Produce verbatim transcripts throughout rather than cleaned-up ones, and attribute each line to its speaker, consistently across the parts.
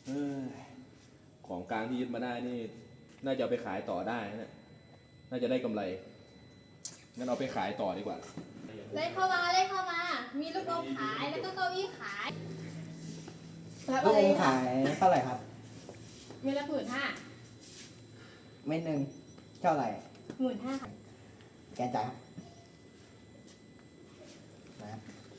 Speaker 1: ของกลางที่ยึดมาได้นี่น่าจะเอาไปขายต่อได้นะน่าจะได้กำไรงั้นเอาไปขายต่อดีกว่า
Speaker 2: เลยเข้ามาเลยเข้ามามีลูกอมขายแล้วก็เก้าอี้ขาย
Speaker 3: ลูกอมขายเท่าไหร่ครับ
Speaker 2: เมตรละหมื่นห้า
Speaker 3: เม็ดหนึ่งเท่าไหร่
Speaker 2: หมื่นห้าค่ะ
Speaker 3: แกจ่ายครับนะครับ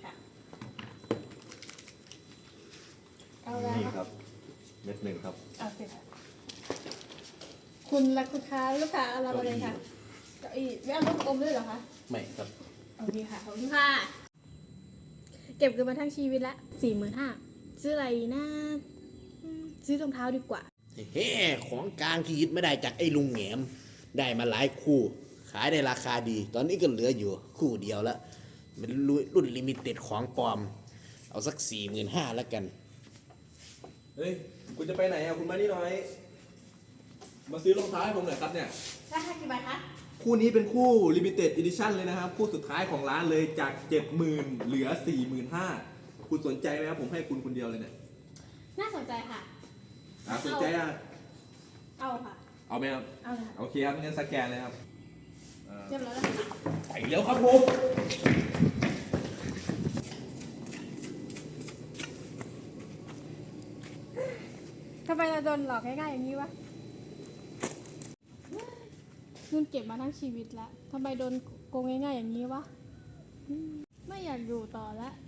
Speaker 2: เอาแล้ว
Speaker 1: นี่ครับเม็ดหนึ่งครับ
Speaker 2: โอเคค่ะคุณและคุณค้าลูกค้าเอาเราไปเลยค่ะเก้าอี้ไม่เอาลูกอมด้วยเหรอคะ
Speaker 1: ไม่ครับ
Speaker 2: โอเคค่ะขอบคุณค่ะเก็บเงินมาทั้งชีวิตละสี่หมื่นห้าซื้ออะไรนะซื้อรองเท้าดีกว่า
Speaker 4: เฮ้ของกลางที่ยึดไม่ได้จากไอ้ลุงแหนมได้มาหลายคู่ขายได้ราคาดีตอนนี้ก็เหลืออยู่คู่เดียวแล้วเป็นรุ่นลิมิเต็ดของปลอมเอาสักสี่หมื่นห้าแล้วกัน
Speaker 1: เฮ้ยคุณจะไปไหนอ่ะคุณมานี่หน่อยมาซื้อรองเท้าให้ผมหน่อยครับเนี่ย
Speaker 2: ราคากี่บาทคะ
Speaker 1: คู่นี้เป็นคู่ Limited Edition เลยนะครับคู่สุดท้ายของร้านเลยจาก เจ็ดหมื่น เหลือ สี่หมื่นห้าพัน คุณสนใจไหมครับผมให้คุณคนเดียวเลยเนี่ย
Speaker 2: น่าสนใจค่ะ
Speaker 1: อ่าสนใจอ่ะ
Speaker 2: เอาค่ะ
Speaker 1: เอาไหมครับ
Speaker 2: เอาเลยค่ะ
Speaker 1: โอเคครับงั้นสแกนเลยครับ
Speaker 2: เรียบร้อยแล้ว
Speaker 1: ไปเร็วครับผม
Speaker 2: ทำไมเราโดนหลอกง่ายๆอย่างนี้วะเงินเก็บมาทั้งชีวิตแล้วทำไมโดนโกงง่ายๆอย่างนี้วะไม่อยากอยู่ต่อแล้ว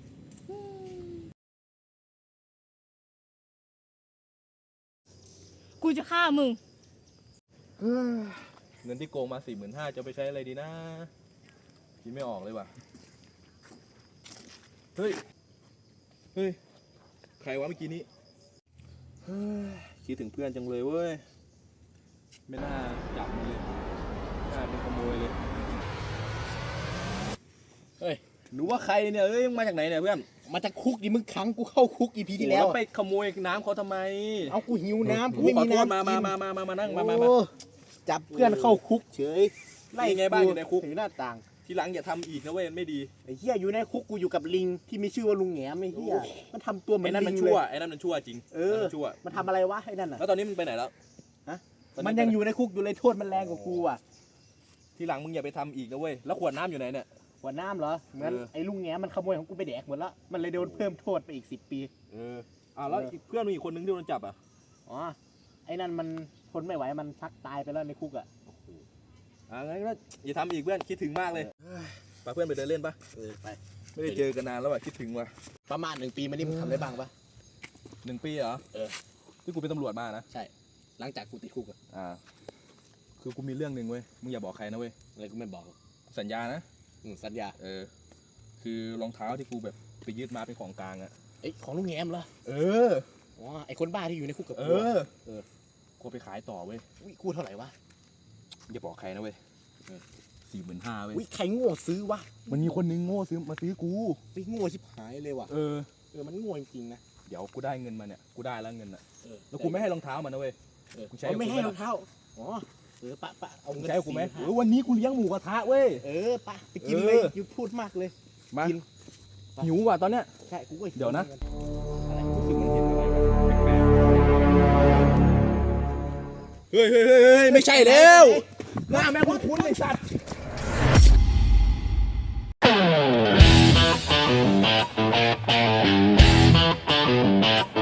Speaker 2: กูจะฆ่ามึง
Speaker 1: เงินที่โกงมา สี่หมื่นห้าพัน จะไปใช้อะไรดีนะคิดไม่ออกเลยว่ะเฮ้ยเฮ้ยใครวะเมื่อกี้นี้คิดถึงเพื่อนจังเลยเว้ยไม่น่าจับมันเลยน่าเป็นขโมยเลยเฮ้ยหนูว่าใครเนี่ยเอ้ยมาจากไหนเนี่ยเพื่อน
Speaker 4: มาจากคุกดิมึงขังกูเข้าคุกอีพีที่แล้ว
Speaker 1: ไปขโมยน้ำเขาทำไม
Speaker 4: เอากูหิวน้ำกูไม่มีน้ำ
Speaker 1: มามามามามามานั่งมามา
Speaker 4: จับเพื่อนเข้าคุกเฉย
Speaker 1: ไล่ไงบ้างอยู่ในคุก
Speaker 4: ถึงหน้าต่าง
Speaker 1: ทีหลังอย่าทำอีกนะเว้ยไม่ดี
Speaker 4: ไอ้เหี้ยอยู่ในคุกกูอยู่กับลิงที่มีชื่อว่าลุงแหนมไอ้เหี้ยมันทำตัวเหมือน
Speaker 1: ไอ้นั่นมันชั่วไอ้นั่นมันชั่วจริง
Speaker 4: เออชั่วมันทำอะไรวะไอ้นั่นน่ะ
Speaker 1: แล้วตอนนี้มันไปไหนแล้ว
Speaker 4: ฮะมันยังอยู่ในคุกอยู่เลยโทษมันแรงกว่ากูอ่ะ
Speaker 1: ทีหลังมึงอย่าไปทำอีกนะเว้ยแล้วขวดน้ำอยู่ไหนเนี่ย
Speaker 4: ขวดน้ำเหรอเหมือนไอ้ลุงแหนมมันขโมยของกูไปแดกหมดแล้วมันเลยโดนเพิ่มโทษไปอีกสิบปี
Speaker 1: เอออ่าแล้วเพื่อนมึงอีกคนนึงที่โดนจับอ่ะ
Speaker 4: อ๋อไอ้นั่นมันทนไม่ไหวมันชักตายไปแล้วในคุกอ่ะ
Speaker 1: อ่างั้นก็อย่าทำอีกเพื่อนคิดถึงมากเลยไปเพื่อนไปเดินเล่นปะ
Speaker 4: เออไป
Speaker 1: ไม่ได้เจอกันนานแล้วอ่ะคิดถึงว่ะ
Speaker 4: ประมาณหนึ่งปีมานี่มึงทำได้บ้างปะ
Speaker 1: หนึ่งปีเหรอ
Speaker 4: เออ
Speaker 1: ที่กูเป็นตำรวจมานะ
Speaker 4: ใช่หลังจากกูติดคุกอ่ะ
Speaker 1: อ่าคือกูมีเรื่องหนึ่งเว้ยมึงอย่าบอกใครนะเว้ย
Speaker 4: อะไรกูไม่บอก
Speaker 1: สัญญานะ
Speaker 4: อืมสัญญา
Speaker 1: เออคือรองเท้าที่กูแบบไปยึดมาเป็นของกลางอ่ะ
Speaker 4: ไอ้ของลุงแหนมเหรอ
Speaker 1: เออ
Speaker 4: อ๋อไอ้คนบ้าที่อยู่ในคุกกับ
Speaker 1: กู
Speaker 4: เอ
Speaker 1: อเออกูไปขายต่อเว้ย
Speaker 4: อุ้ยกูเท่าไหร่วะ
Speaker 1: อย่าบอกใครนะเว้ยสี่หมื่นห้าเว้ย
Speaker 4: อุ้ยใครโง่ซื้อวะ
Speaker 1: มันมีคนนึงโง่ซื้อมาซื้อกู
Speaker 4: ไปโง่ชิบหายเลยว่ะ
Speaker 1: เออ
Speaker 4: เออมันโง่จริงๆนะ
Speaker 1: เดี๋ยวกูได้เงินมาเนี่ยกูได้แล้วเงินอ่ะแล้วกูไม่ให้รองเท้ามันนะเว้ย
Speaker 4: กูใช้ไม่ให้รองเท้าอ๋อเออปะปะ
Speaker 1: เอาเงินใช้กูไหมเออวันนี้กูเลี้ยงหมูกระทะเว้ย
Speaker 4: เออปะไปกินเลยยูพูดมากเลย
Speaker 1: มาหิวว่ะตอนเนี้ย
Speaker 4: ใช่กูก็
Speaker 1: เดี๋ยวนะเฮ้ยเฮ้ยเฮ้ยไม่ใช่แล้วหน้าแม่งคุ้นๆไอ้สัตว์